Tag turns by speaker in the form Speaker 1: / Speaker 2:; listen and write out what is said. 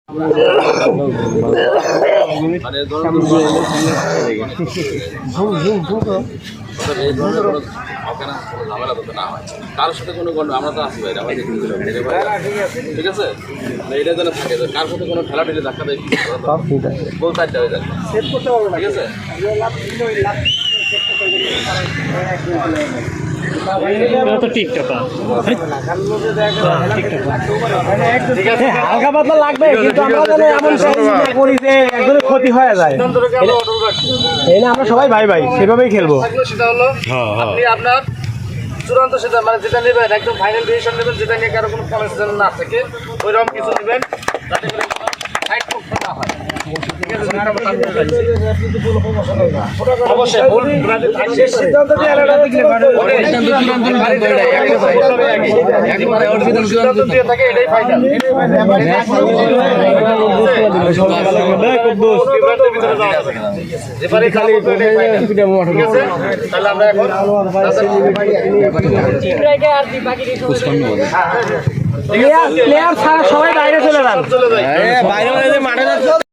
Speaker 1: কারোর সাথে কোনো আমরা তো আসি ভাই ঠিক আছে এটা যেন থাকে কার সাথে কোনো ঠেলা ঠেলে ধাক্কা দেয় গোল চারটা হয়ে যাবে ঠিক আছে।
Speaker 2: হালকা পাতলা লাগবে কিন্তু আমরা এমন করি যে একদমই ক্ষতি হয়ে যায়। এই না আমরা সবাই ভাই ভাই সেভাবেই খেলবো।
Speaker 1: সেটা হলো আপনি আপনার চূড়ান্ত সেটা মানে যেটা নেবেন একদম ফাইনাল ডিসিশন নেবেন, যেটা নিয়ে কারো কোনো সমস্যা যেন না থাকে ওইরকম কিছু নেবেন যাতে করে সাইড পক্ষ না হয়। অবশ্যই ভুল সিদ্ধান্ত দিয়ে থাকে এটাই ফাইনাল। তাহলে আমরা এখন
Speaker 2: প্লেয়ার ছাড়া সবাই বাইরে চলে যান।